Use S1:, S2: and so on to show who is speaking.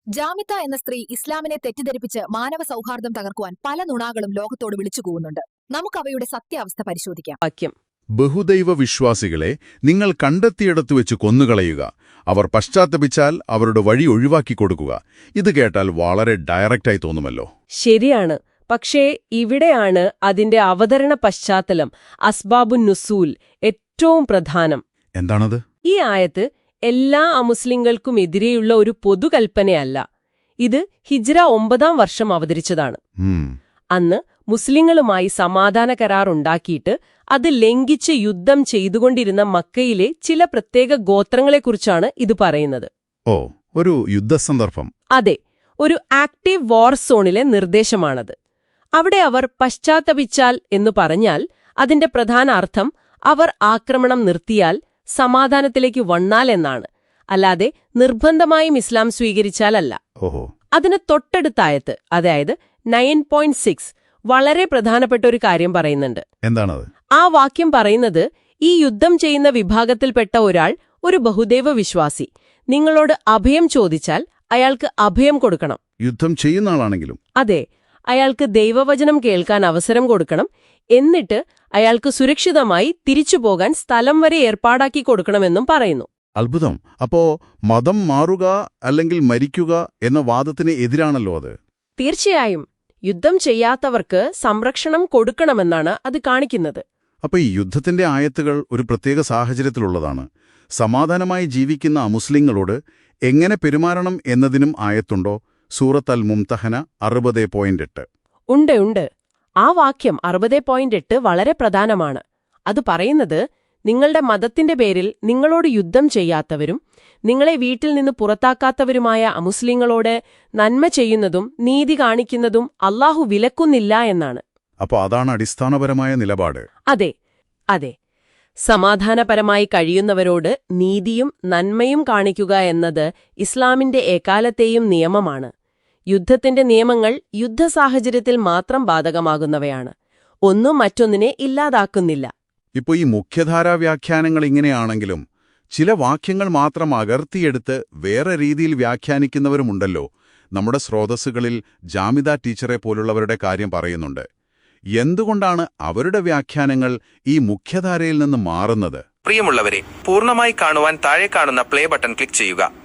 S1: ജാമിത്ത എന്ന സ്ത്രീ ഇസ്ലാമിനെ തെറ്റിദ്ധരിപ്പിച്ച് മാനവ സൗഹാർദ്ദം തകർക്കുവാൻ പല നുണകളും ലോകത്തോട് വിളിച്ചുകൂവുന്നുണ്ട്. നമുക്കവയുടെ സത്യാവസ്ഥ പരിശോധിക്കാം.
S2: വാക്യം:
S3: ബഹുദൈവ വിശ്വാസികളെ നിങ്ങൾ കണ്ടെത്തിയിടത്തു വെച്ച് കൊന്നുകളയുക. അവർ പശ്ചാത്തപിച്ചാൽ അവരുടെ വഴി ഒഴിവാക്കിക്കൊടുക്കുക. ഇത് കേട്ടാൽ വളരെ ഡയറക്റ്റായി തോന്നുമല്ലോ.
S2: ശരിയാണ്. പക്ഷേ ഇവിടെയാണ് അതിന്റെ അവതരണ പശ്ചാത്തലം, അസ്ബാബുൻ നുസൂൽ, ഏറ്റവും പ്രധാനം.
S3: എന്താണത്?
S2: ഈ ആയത്ത് എല്ലാ അമുസ്ലിങ്ങൾക്കുമെതിരെയുള്ള ഒരു പൊതുകൽപ്പനയല്ല. ഇത് ഹിജ്റ 9-ാം വർഷം അവതരിച്ചതാണ്. അന്ന് മുസ്ലിങ്ങളുമായി സമാധാന കരാർ ഉണ്ടാക്കിയിട്ട് അത് ലംഘിച്ച് യുദ്ധം ചെയ്തുകൊണ്ടിരുന്ന മക്കയിലെ ചില പ്രത്യേക ഗോത്രങ്ങളെക്കുറിച്ചാണ് ഇത് പറയുന്നത്.
S3: ഓ, ഒരു യുദ്ധസന്ദർഭം.
S2: അതെ, ഒരു ആക്റ്റീവ് വാർ സോണിലെ നിർദ്ദേശമാണത്. അവിടെ അവർ പശ്ചാത്തപിച്ചാൽ എന്നു പറഞ്ഞാൽ അതിന്റെ പ്രധാന അർത്ഥം അവർ ആക്രമണം നിർത്തിയാൽ സമാധാനത്തിലേക്ക് വന്നാൽ എന്നാണ്, അല്ലാതെ നിർബന്ധമായും ഇസ്ലാം സ്വീകരിച്ചാലല്ല.
S3: ഓഹോ.
S2: അതിന് തൊട്ടടുത്തായത്ത്, അതായത് 9.6, വളരെ പ്രധാനപ്പെട്ട ഒരു കാര്യം പറയുന്നുണ്ട്.
S3: എന്താണത്?
S2: ആ വാക്യം പറയുന്നത്, ഈ യുദ്ധം ചെയ്യുന്ന വിഭാഗത്തിൽപ്പെട്ട ഒരാൾ, ഒരു ബഹുദൈവ വിശ്വാസി, നിങ്ങളോട് അഭയം ചോദിച്ചാൽ അയാൾക്ക് അഭയം കൊടുക്കണം.
S3: യുദ്ധം ചെയ്യുന്ന ആളാണെങ്കിലും?
S2: അതെ, അയാൾക്ക് ദൈവവചനം കേൾക്കാൻ അവസരം കൊടുക്കണം. എന്നിട്ട് അയാൾക്ക് സുരക്ഷിതമായി തിരിച്ചുപോകാൻ സ്ഥലം വരെ ഏർപ്പാടാക്കി കൊടുക്കണമെന്നും പറയുന്നു.
S3: അത്ഭുതം. അപ്പോ മതം മാറുക അല്ലെങ്കിൽ മരിക്കുക എന്ന വാദത്തിന് എതിരാണല്ലോ അത്.
S2: തീർച്ചയായും. യുദ്ധം ചെയ്യാത്തവർക്ക് സംരക്ഷണം കൊടുക്കണമെന്നാണ് അത് കാണിക്കുന്നത്.
S3: അപ്പൊ ഈ യുദ്ധത്തിന്റെ ആയത്തുകൾ ഒരു പ്രത്യേക സാഹചര്യത്തിലുള്ളതാണ്. സമാധാനമായി ജീവിക്കുന്ന അമുസ്ലിങ്ങളോട് എങ്ങനെ പെരുമാറണം എന്നതിനും ആയത്തുണ്ടോ? സൂറത്ത് അൽ മുംതഹന 60.8.
S2: ഉണ്ട്. ആ വാക്യം 60.8 വളരെ പ്രധാനമാണ്. അത് പറയുന്നത്, നിങ്ങളുടെ മതത്തിന്റെ പേരിൽ നിങ്ങളോട് യുദ്ധം ചെയ്യാത്തവരും നിങ്ങളെ വീട്ടിൽ നിന്ന് പുറത്താക്കാത്തവരുമായ അമുസ്ലിങ്ങളോട് നന്മ ചെയ്യുന്നതും നീതി കാണിക്കുന്നതും അല്ലാഹു വിലക്കുന്നില്ല എന്നാണ്.
S3: അപ്പോൾ അതാണ് അടിസ്ഥാനപരമായ നിലപാട്.
S2: അതെ. സമാധാനപരമായി കഴിയുന്നവരോട് നീതിയും നന്മയും കാണിക്കുക എന്നത് ഇസ്ലാമിന്റെ എക്കാലത്തെയും നിയമമാണ്. യുദ്ധത്തിന്റെ നിയമങ്ങൾ യുദ്ധസാഹചര്യത്തിൽ മാത്രം ബാധകമാകുന്നവയാണ്. ഒന്നും മറ്റൊന്നിനെ ഇല്ലാതാക്കുന്നില്ല.
S3: ഇപ്പോൾ ഈ മുഖ്യധാരാ വ്യാഖ്യാനങ്ങൾ ഇങ്ങനെയാണെങ്കിലും ചില വാക്യങ്ങൾ മാത്രം അകർത്തിയെടുത്ത് വേറെ രീതിയിൽ വ്യാഖ്യാനിക്കുന്നവരുമുണ്ടല്ലോ. നമ്മുടെ സ്രോതസ്സുകളിൽ ജാമിത ടീച്ചറെ പോലുള്ളവരുടെ കാര്യം പറയുന്നുണ്ട്. എന്തുകൊണ്ടാണ് അവരുടെ വ്യാഖ്യാനങ്ങൾ ഈ മുഖ്യധാരയിൽ നിന്ന് മാറുന്നത്?
S4: പ്രിയമുള്ളവരെ, പൂർണ്ണമായി കാണുവാൻ താഴെ കാണുന്ന പ്ലേ ബട്ടൺ ക്ലിക്ക് ചെയ്യുക.